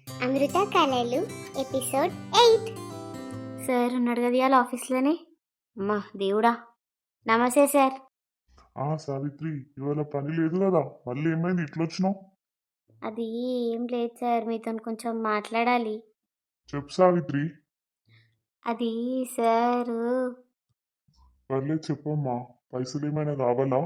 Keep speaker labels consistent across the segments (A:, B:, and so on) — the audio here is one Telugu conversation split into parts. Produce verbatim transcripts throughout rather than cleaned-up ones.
A: అమృత కళలు ఎపిసోడ్ ఎయిట్.
B: సార్ ఉన్నాడు కదా ఇవాళ ఆఫీస్లోనే. అమ్మా దేవుడా, నమస్తే సార్.
C: ఆ సావిత్రి, ఇవాళ పని లేదు కదా, మళ్ళీ ఏమైంది ఇట్లా వచ్చినావు?
B: అది ఏం లేదు సార్, మీతో కొంచెం మాట్లాడాలి.
C: చెప్పు సావిత్రి.
B: అది సారు,
C: పర్లేదు చెప్పమ్మా, పైసలు ఏమైనా కావాలా?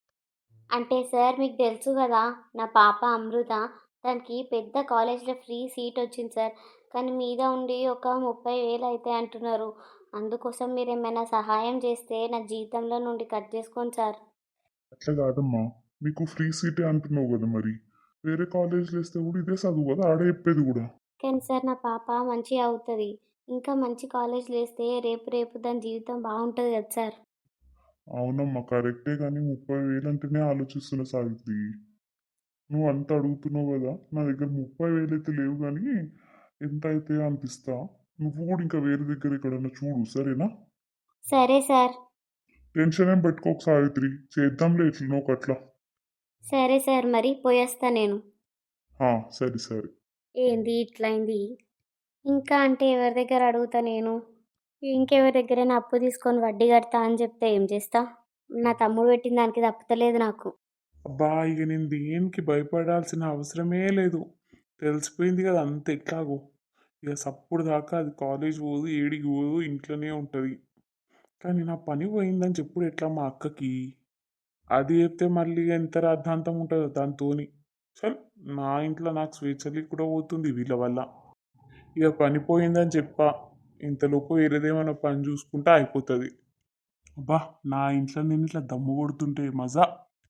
B: అంటే సార్ మీకు తెలుసు కదా నా పాప అమృత, దానికి పెద్ద కాలేజ్లో ఫ్రీ సీట్ వచ్చింది సార్. కానీ మీద ఉండి ఒక ముప్పై వేలు అయితే అంటున్నారు. అందుకోసం మీరు ఏమైనా సహాయం చేస్తే నా జీతంలో నుండి కట్ చేసుకోండి సార్.
C: అట్లా కాదమ్మా, మీకు ఫ్రీ సీటే అంటున్నావు కదా, మరి వేరే కాలేజ్లో వేస్తే కూడా ఇదే చదువు కదా, ఆడే చెప్పేది కూడా.
B: కానీ సార్ నా పాప మంచిగా అవుతుంది, ఇంకా మంచి కాలేజ్లో వేస్తే రేపు రేపు దాని జీవితం బాగుంటుంది కదా సార్.
C: అవునమ్మా కరెక్టే, కానీ ముప్పై వేలు అంటేనే ఆలోచిస్తున్నా సావిత్రి. నువ్వు అంత అడుగుతున్నావు కదా, నా దగ్గర ముప్పై వేలు అయితే లేవు, కానీ ఎంత అయితే అనిపిస్తా. నువ్వు కూడా ఇంకా వేరే దగ్గర ఎక్కడన్నా చూడు, సరేనా?
B: సరే సార్.
C: టెన్షన్ ఏం పెట్టుకోకు సావిత్రి, చేద్దాంలే ఎట్లనో ఒకట్లా.
B: సరే సార్, మరి పోయేస్తా నేను.
C: ఆ, సరే సరే.
B: ఏంది ఇట్లయింది? ఇంకా అంటే ఎవరి దగ్గర అడుగుతా నేను? ఇంకెవరి దగ్గరైనా అప్పు తీసుకొని వడ్డీ కడతా అని చెప్తే ఏం చేస్తా? నా తమ్ముడు పెట్టిన దానికి తప్పుతలేదు నాకు.
D: అబ్బా, ఇక నేను దేనికి భయపడాల్సిన అవసరమే లేదు. తెలిసిపోయింది కదా అంత ఎట్లాగో. ఇక సప్పుడు దాకా అది కాలేజ్ పోదు, ఏడికి పోదు, ఇంట్లోనే ఉంటుంది. కానీ నా పని పోయిందని చెప్పుడు ఎట్లా మా అక్కకి? అది చెప్తే మళ్ళీ ఎంత రాద్ధాంతం ఉంటుందో దాంతోని. చల్, నా ఇంట్లో నాకు స్వేచ్ఛకి కూడా పోతుంది వీళ్ళ వల్ల. ఇక పని పోయిందని చెప్పా, ఇంతలోపు వేరేదేమైనా పని చూసుకుంటే అయిపోతుంది. అబ్బా, నా ఇంట్లో నేను ఇట్లా దమ్ము కొడుతుంటే మజా.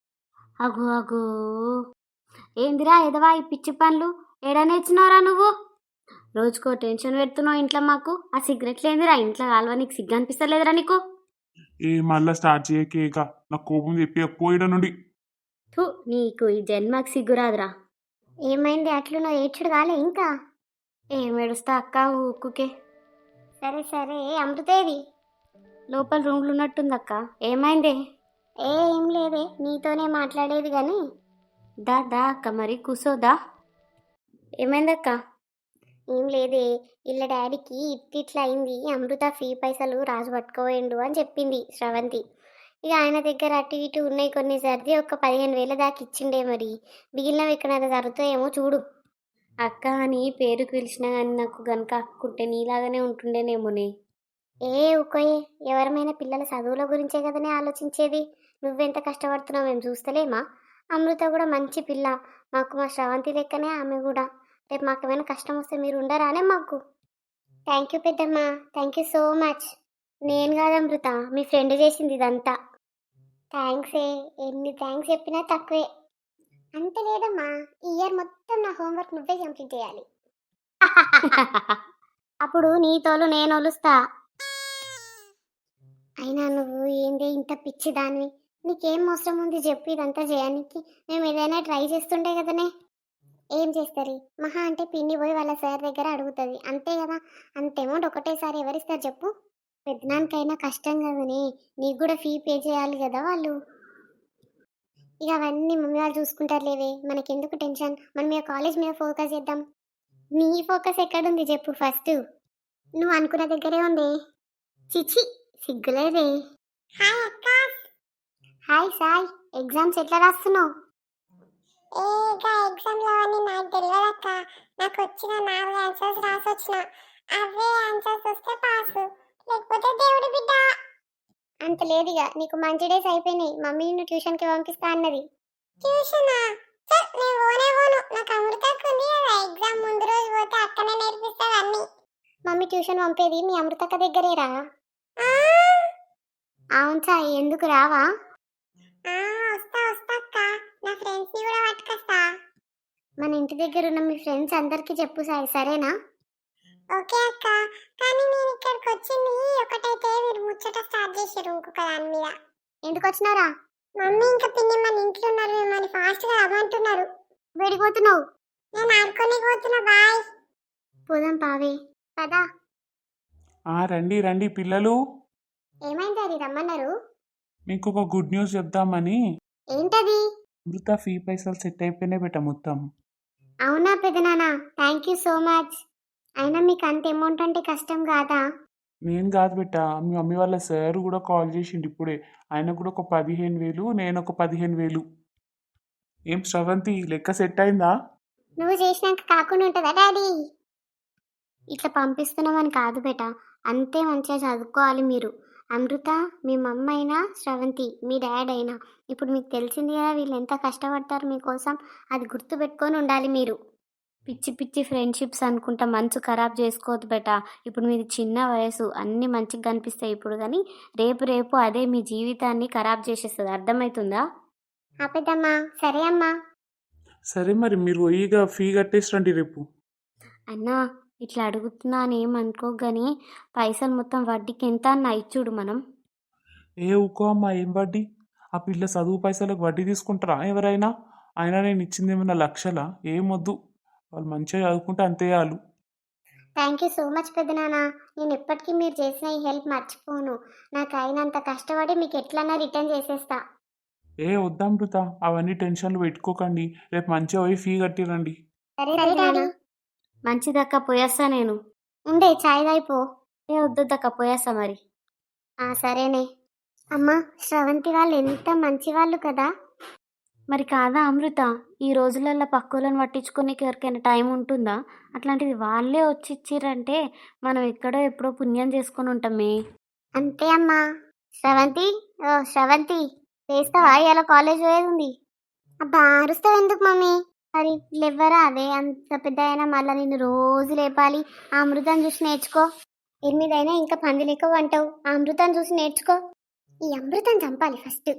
B: అగో అగో, ఏందిరా ఎదవా ఈ పిచ్చి పనులు? ఏడా నేర్చినవరా నువ్వు? రోజుకో టెన్షన్ పెడుతున్నావు ఇంట్లో మాకు. ఆ సిగరెట్లు ఏందిరా ఇంట్లో కాలువ? నీకు సిగ్గు అనిపిస్తలేదురా నీకు?
D: ఏ మళ్ళా స్టార్ట్ చేయకేక, నాకు కోపం చెప్పి పోయిడ నుండి.
B: థు, నీకు ఈ జన్మకి సిగ్గురాదురా.
A: ఏమైంది అట్లునో ఏడ్చుడు కాలే ఇంకా?
B: ఏం ఏడుస్తా అక్క, ఊక్కుకే.
A: సరే సరే, అమృతేది?
B: లోపల రూమ్లు ఉన్నట్టుంది అక్క. ఏమైందే?
A: ఏ ఏం లేదే, నీతోనే మాట్లాడేది కానీ.
B: దా దా అక్క, మరి కూసోదా. ఏమైందక్క?
A: ఏం లేదే, ఇళ్ళ డాడీకి ఇట్లా అయింది, అమృత ఫీ పైసలు రాజు పట్టుకోవేయండు అని చెప్పింది శ్రవంతి. ఇక ఆయన దగ్గర అటు ఇటు ఉన్నాయి కొన్ని, సర్ది ఒక పదిహేను వేల దాకా ఇచ్చిండే. మరి మిగిలినవి ఎక్కడైనా జరుగుతాయేమో చూడు.
B: అక్క అని పేరుకు పిలిచినా కానీ నాకు గనక అక్కుంటే నీలాగానే ఉంటుండేనేమోనే.
A: ఏ ఊకోయే, ఎవరమైనా పిల్లల చదువుల గురించే కదనే ఆలోచించేది. నువ్వెంత కష్టపడుతున్నావు మేము చూస్తలేమా? అమృత కూడా మంచి పిల్ల, మాకు మా శ్రవంతి లెక్కనే ఆమె కూడా. రేపు మాకు ఏమైనా కష్టం వస్తే మీరు ఉండరానే మాకు? థ్యాంక్ యూ పెద్దమ్మా, థ్యాంక్ యూ సో మచ్. నేను కాదు అమృత, మీ ఫ్రెండ్ చేసింది ఇదంతా. థ్యాంక్స్ ఏ, ఎన్ని థ్యాంక్స్ చెప్పినా తక్కువే. అంత లేదమ్మా, ఈ ఇయర్ మొత్తం నా హోంవర్క్ నువ్వే కంప్లీట్ చేయాలి. అప్పుడు నీ తోలు నేను ఒలుస్తా. అయినా నువ్వు ఏందే ఇంత పిచ్చి దానివి? నీకేం అవసరం ఉంది చెప్పు ఇదంతా చేయడానికి? మేము ఏదైనా ట్రై చేస్తుండే కదనే. ఏం చేస్తారు? మహా అంటే పిన్ని పోయి వాళ్ళ సార్ దగ్గర అడుగుతుంది అంతే కదా. అంత అమౌంట్ ఒకటేసారి ఎవరిస్తారు చెప్పు? పెద్దనానికైనా కష్టం కదనే, నీకు కూడా ఫీ పే చేయాలి కదా వాళ్ళు. ఇక అవన్నీ మమ్మీ వాళ్ళు చూసుకుంటారు లేవే, మనకెందుకు టెన్షన్? మనం ఇక కాలేజ్ మీద ఫోకస్ చేద్దాం. నీ ఫోకస్ ఎక్కడుంది చెప్పు ఫస్ట్? నువ్వు అనుకున్న దగ్గరే ఉంది. చిచి, సిగ్గులేదే. హాయ్ అక్క. హాయ్ సాయ్, ఎగ్జామ్స్ ఎట్లా రాస్తున్నావు? ఏ ఎగ్జామ్ లో అని నాకు తెలియదు అక్క, నాకు వచ్చిన నాలుగు ఆన్సర్స్ రాసొచ్చిన, అవే ఆన్సర్స్ వస్తే పాస్, లేకపోతే దేవుడి బిడ్డ. అంత లేదుగా, నీకు మంచి డేస్ అయిపోయినాయి. మమ్మీ నిన్ను ట్యూషన్కి పంపిస్తా అన్నది. ట్యూషనా? నేను పోనే పోను, నాకు అమృతకు ఉంది కదా ఎగ్జామ్, ముందు రోజు పోతే అక్కనే నేర్పిస్తుంది అన్ని. మమ్మీ ట్యూషన్ పంపేది మీ అమృతక్క దగ్గరేరా? అవును సాయి, ఎందుకు రావా? వస్తా వస్తా అక్క, నా ఫ్రెండ్స్ ని కూడా పట్టుకొస్తా. మన ఇంటి దగ్గర ఉన్న మీ ఫ్రెండ్స్ అందరికి చెప్పు సాయి, సరేనా? ఓకే అక్క, కానీ నేను ఇక్కడికి వచ్చింది ఒకటైతే మీరు ముచ్చట స్టార్ట్ చేశారు ఇంకొక దాని మీద. ఎందుకు వచ్చినారా? మమ్మీ ఇంకా పిన్ని మన ఇంట్లో ఉన్నారు, మిమ్మల్ని ఫాస్ట్ గా రమ్మంటున్నారు. వెళ్ళిపోతున్నావు? నేను ఆడుకొని పోతున్నా, బాయ్. పోదాం పావే, పదా.
D: ఆ రండి రండి పిల్లలు,
A: ఏమైంది అది రమ్మన్నారు?
D: మీకు ఒక గుడ్ న్యూస్ చెప్దామని.
A: ఏంటది?
D: అమృత ఫీ పైసలు సెట్ అయిపోయినాయి బెట మొత్తం.
A: అవునా పెదనాన్న, థ్యాంక్ యూ సో మచ్. అయినా మీకు అంత అమౌంట్ అంటే కష్టం కాదా?
D: నేను కాదు బిడ్డ, మీ మమ్మీ వాళ్ళ సార్ కూడా కాల్ చేసిండు ఇప్పుడే. ఆయన కూడా ఒక పదిహేను వేలు నేను ఒక పదిహేను వేలు. ఏం శ్రవంతి లెక్క సెట్ అయిందా?
A: నువ్వు చేసినాక కాకుండా ఉంటుందా డాడీ? ఇట్లా పంపిస్తున్నామని కాదు బేట, అంతే మంచిగా చదువుకోవాలి మీరు. అమృత మీ మమ్మ అయినా, శ్రవంతి మీ డాడ్ అయినా, ఇప్పుడు మీకు తెలిసింది కదా వీళ్ళు ఎంత కష్టపడతారు మీకోసం. అది గుర్తుపెట్టుకొని ఉండాలి మీరు.
B: పిచ్చి పిచ్చి ఫ్రెండ్షిప్స్ అనుకుంటా మనసు ఖరాబ్ చేసుకోవద్దు బేట. ఇప్పుడు మీది చిన్న వయసు, అన్నీ మంచిగా కనిపిస్తాయి ఇప్పుడు, కానీ రేపు రేపు అదే మీ జీవితాన్ని ఖరాబ్ చేసేస్తుంది. అర్థమవుతుందా?
A: ఆ పెద్దమ్మా, సరే అమ్మా.
D: సరే మరి మీరు పోయిగా ఫీ కట్టేసి రండి రేపు.
B: అన్నా ఇట్లా అడుగుతున్నా అని ఏమనుకో, కానీ పైసలు మొత్తం వడ్డీకి ఎంత అన్న ఇచ్చుడు మనం.
D: ఏ ఊకో అమ్మా, ఏం వడ్డీ? ఆ పిల్ల చదువు పైసలకు వడ్డీ తీసుకుంటారా ఎవరైనా? అయినా నేను ఇచ్చింది ఏమన్నా లక్షలా? ఏం వద్దు, వాళ్ళు మంచిగా చదువుకుంటే అంతే చాలు.
A: థ్యాంక్ యూ సో మచ్ పెద్దనాన్న. నేను ఎప్పటికీ మీరు చేసిన ఈ హెల్ప్ మర్చిపోను. నాకు అయినంత కష్టపడి మీకు ఎట్లన్నా రిటర్న్ చేసేస్తా.
D: ఏ వద్దమృత, అవన్నీ టెన్షన్లు పెట్టుకోకండి. రేపు మంచిగా పోయి ఫీ కట్టిరండి.
A: సరే డాడీ.
B: మంచిదక్క పోయేస్తా నేను.
A: ఉండే చాయ్ దాయిపో.
B: ఏ వద్దక్క పోయేస్తా మరి.
A: ఆ సరేనే. అమ్మా, శ్రవంతి వాళ్ళు ఎంత మంచి వాళ్ళు కదా.
B: మరి కాదా అమృత, ఈ రోజులలో పక్కులను పట్టించుకోనికి ఎవరికైనా టైం ఉంటుందా? అట్లాంటిది వాళ్ళే వచ్చి ఇచ్చిర్రంటే మనం ఎక్కడో ఎప్పుడో పుణ్యం చేసుకొని ఉంటామే.
A: అంతే అమ్మా. శ్రవంతి, ఓ శ్రవంతి, చేస్తావా? ఇలా కాలేజ్ పోయేది ఉంది. అబ్బా అరుస్తావు ఎందుకు మమ్మీ? మరి లేవ్వరా? అదే అంత పెద్ద అయినా మళ్ళీ నిన్ను రోజు లేపాలి. ఆ అమృతం చూసి నేర్చుకో. ఎనిమిదైనా ఇంకా పంది లెక్క వంటావు. ఆ అమృతం చూసి నేర్చుకో. ఈ అమృతం చంపాలి ఫస్ట్.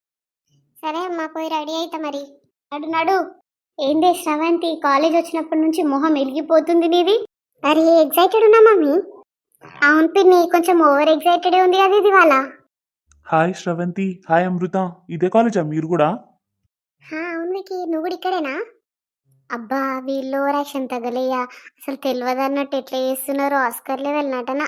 A: సరే అమ్మా, పోయి రెడీ అవుతా మరి. నడు నడు. ఏందే శ్రవంతి, కాలేజ్ వచ్చినప్పటి నుంచి మొహం వెలిగిపోతుంది నీది. అరే ఎగ్జైటెడ్ ఉన్నా మమ్మీ. అవును పిన్ని, కొంచెం ఓవర్ ఎగ్జైటెడ్ ఉంది కదా ఇది వాళ్ళ.
D: హాయ్ శ్రవంతి, హాయ్ అమృత, ఇదే కాలేజా మీరు కూడా?
A: అవును వికి, నువ్వు కూడా ఇక్కడేనా? అబ్బా వీళ్ళు ఓవరాక్షన్ తగలేయా. అసలు తెలియదు అన్నట్టు ఎట్లా చేస్తున్నారో ఆస్కర్ లెవెల్ నటన.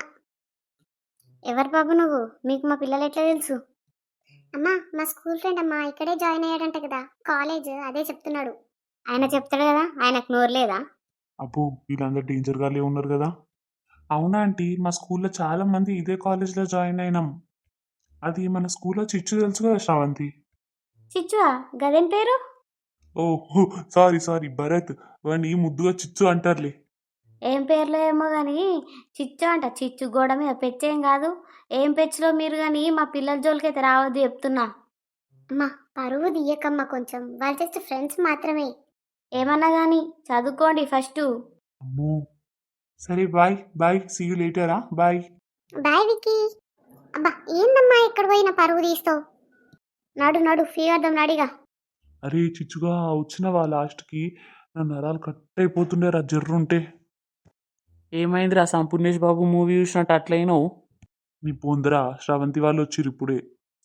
A: ఎవరు బాబు నువ్వు? మీకు మా పిల్లలు ఎట్లా తెలుసు? అమ్మా మా స్కూల్ ఫ్రెండ్ అమ్మా, ఇక్కడే జాయిన్ అయ్యాడంట కదా కాలేజ్, అదే చెప్తున్నాడు. ఆయన చెప్తాడు కదా, ఆయనకు నోరు లేదా?
D: అబ్బో వీళ్ళందరూ డేంజర్ గాలే ఉన్నారు కదా. అవునా ఆంటీ, మా స్కూల్లో చాలా మంది ఇదే కాలేజ్లో జాయిన్ అయినాం. అది మన స్కూల్లో చిచ్చు తెలుసు కదా శ్రవంతి.
B: చిచ్చువా? గదేం పేరు?
D: ఓ సారీ సారీ భరత్, వాడిని ముద్దుగా చిచ్చు అంటారులే.
B: ఏం పేర్లో ఏమో కానీ చిచ్చు అంట. చిచ్చు గోడ మీద పెచ్చేం కాదు. ఏం పెచ్చులో మీరు కానీ మా పిల్లల జోలికైతే రావద్దు చెప్తున్నా.
A: అమ్మా పరువు తీయకమ్మా, కొంచెం వాళ్ళు జస్ట్ ఫ్రెండ్స్ మాత్రమే.
B: ఏమన్నా కానీ చదువుకోండి ఫస్ట్.
D: అమ్మో సరే బాయ్ బాయ్, సీ యూ లేటరా, బాయ్.
A: బాయ్ వికీ. అబ్బా ఏందమ్మా ఎక్కడ పోయినా పరువు తీస్తావు? నడు నడు, ఫీ వద్దాం నడిగా.
D: అరే చిచ్చుగా వచ్చినవా లాస్ట్కి? నా నరాలు కట్ అయిపోతుండే రా జర్రుంటే. ఏమైందిరా సంపూర్ణేష్ బాబు మూవీ చూసినట్టు అట్లయినావు? నీ పొందరా, శ్రవంతి వాళ్ళు వచ్చిర్రు ఇప్పుడే.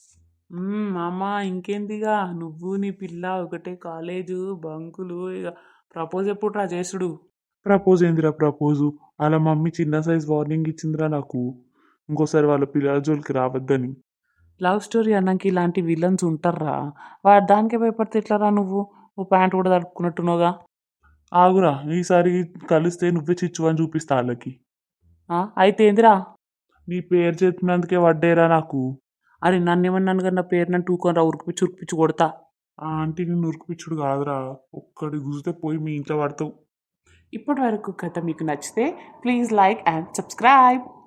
D: మామ ఇంకేందిగా, నువ్వు నీ పిల్ల ఒకటే కాలేజు బంకులు, ఇక ప్రపోజ్ ఎప్పుడు రా చేసుడు? ప్రపోజ్ ఏందిరా ప్రపోజు? అలా మమ్మీ చిన్న సైజ్ వార్నింగ్ ఇచ్చిందిరా నాకు, ఇంకోసారి వాళ్ళ పిల్లల జోలికి రావద్దని. లవ్ స్టోరీ అన్నాక ఇలాంటి విలన్స్ ఉంటారా? వాడు దానికే భయపడితే ఎట్లారా? నువ్వు నువ్వు ప్యాంట్ కూడా తడుపుకున్నట్టున్నావుగా. ఆగురా, ఈసారి కలిస్తే నువ్వే చిచ్చు అని చూపిస్తా వాళ్ళకి. అయితే ఏందిరా? నీ పేరు చెప్పినందుకే వడ్డేరా నాకు. అరే నన్ను ఏమన్నాను కదా, నా పేరు నన్ను టూకొని రా, ఉరికిపిచ్చి ఉరికిపిచ్చి కొడతా. ఆ ఆంటీ నిన్ను ఉరికిపిచ్చుడు కాదురా, ఒక్కడి గురితే పోయి మీ ఇంట్లో పడతావు. ఇప్పటి వరకు కథ మీకు నచ్చితే ప్లీజ్ లైక్ అండ్ సబ్స్క్రైబ్.